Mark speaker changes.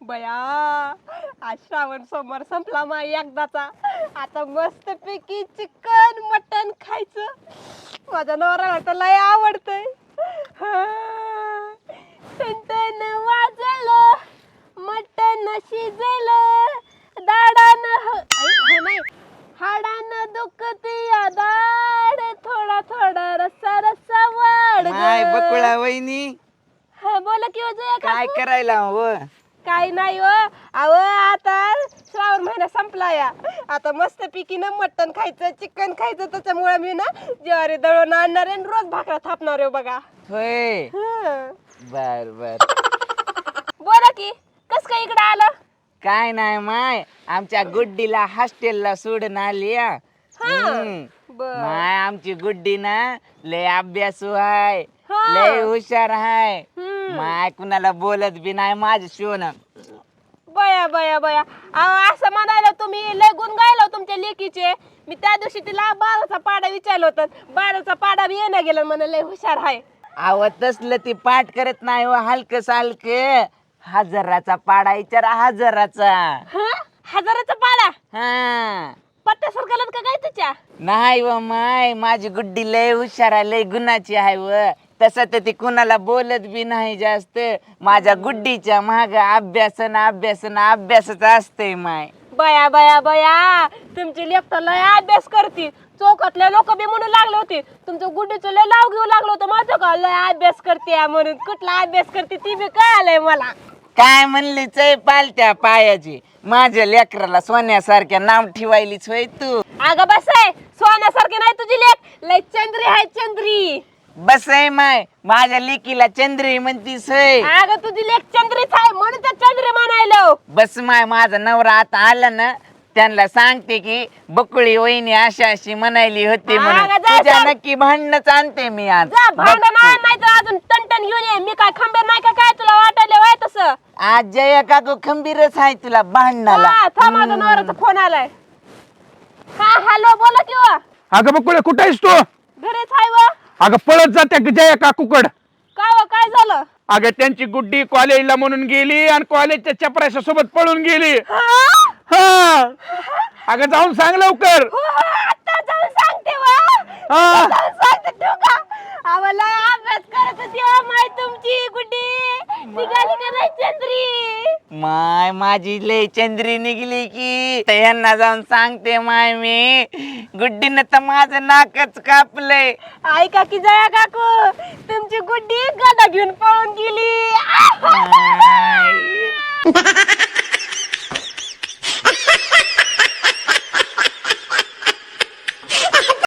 Speaker 1: बया आज श्रावण सोमवार संपला मा एकदाचा. आता मस्त पैकी चिकन मटन खायचं. माझ्या नवऱ्याला तर लय आवडतंय. टन वाजलं मटन शिजलं दाडानं नाही हाडानं दुखती दाड थोडा थोडा रस्सा रस्सा वाढ.
Speaker 2: माय बकुळा वहिनी
Speaker 1: बोला की वजय
Speaker 2: काय करायला हो?
Speaker 1: काय नाही हो. अहो आता श्रावण महिना संपला या. आता मस्त पैकी ना मटण खायचं चिकन खायचं. त्याच्यामुळे मी ना ज्वारी दळून आणणार आहे रोज भाकरा थापणार आहे बघा.
Speaker 2: होय बर बर.
Speaker 1: बोला की कस काय इकडे आलं?
Speaker 2: काय नाही माय आमच्या गुड्डीला हॉस्टेलला सोडून आली या. माय आमची गुड्डी ना लय अभ्यासू आहे लय हुशार आहे. माय कुणाला बोलत बी नाही माझ्या शिवण.
Speaker 1: बया बया बया असं म्हणायला तुम्ही लय गुण गायला तुमच्या लेकीचे. मी त्या दिवशी तिला 12चा पाडा विचारलं होतं. 12चा पाडा बी येणं गेलं म्हणे लय हुशार आहे.
Speaker 2: आव तसलं ती पाठ करत नाही हो. हलकं सालकं हजाराचा पाडा विचारा हजाराचा.
Speaker 1: हजाराचा पाडा
Speaker 2: हा
Speaker 1: पत्त्या सरकारला का काय त्याच्या?
Speaker 2: नाही व माय माझी गुड्डी लय हुशार आहे लय गुणाची आहे व. तसं तर ती कुणाला बोलत बी नाही जास्त. माझ्या गुड्डीच्या माग अभ्यासन अभ्यासन अभ्यासच असते माय.
Speaker 1: बया बया बया तुमची लेक तर लय अभ्यास करती. चौकातले लोक बी म्हणून लागले होते तुमचं गुड्डीचं लय लाव घेऊ लागलं होतं माझं का लय अभ्यास करते म्हणून. कुठला अभ्यास करते ती बी कळालंय मला.
Speaker 2: काय म्हणली चय पालत्या पायाची. माझ्या लेकराला सोन्यासारख्या नाव ठेवायलीच होय तू.
Speaker 1: अगं बस आहे सोन्यासारखी नाही तुझी लेक लय चंद्री आहे चंद्री.
Speaker 2: बस आहे माय माझ्या लेकीला चंद्री म्हणतीस होय.
Speaker 1: अगं तुझी लेक चंद्रीच आहे म्हणून तर चंद्री म्हणायलो.
Speaker 2: बस माय माझा नवरा आता आला ना त्यांना सांगते की बकुळी वहिनी अशी अशी म्हणायली होती म्हणून.
Speaker 1: अगं जा
Speaker 2: तुझ्या
Speaker 1: सांग.
Speaker 2: नक्की भांडणच आणते मी आज.
Speaker 1: जा भांडण
Speaker 2: बघ तू.
Speaker 1: नाही तर अजून टनटन घेऊन ये. मी काय खंबीर नाही का काय तुला वाटायला वाय तसं?
Speaker 2: आज जया काकू खंबीरच आहे तुला भांडणाला.
Speaker 1: थांब माझा नवऱ्याचा फोन आलाय. हा हॅलो बोला की वा.
Speaker 3: अगं बकुळे कुठे आहेस तू?
Speaker 1: घरीच आहे वा.
Speaker 3: अगं पळत जाते जया काकूकड.
Speaker 1: काय वा काय झालं?
Speaker 3: अगं त्यांची गुड्डी कॉलेजला म्हणून गेली आणि कॉलेजच्या चपराशा सोबत पळून गेली. हा अगं जाऊन सांग लवकर.
Speaker 1: आता जाऊन सांगते वा.
Speaker 3: हा.
Speaker 1: जाऊन सांगते तू का? आम्हाला अभ्यास करत होती वा माय तुमची गुड्डी निघाली का नाही चंद्री?
Speaker 2: माय माझी लय चंद्री निघली की तर यांना जाऊन सांगते माय मी. गुड्डीनं तर माझं नाकच कापलंय.
Speaker 1: ऐका की जया काकू तुमची गुड्डी गदा घेऊन पळून गेली.
Speaker 2: माय.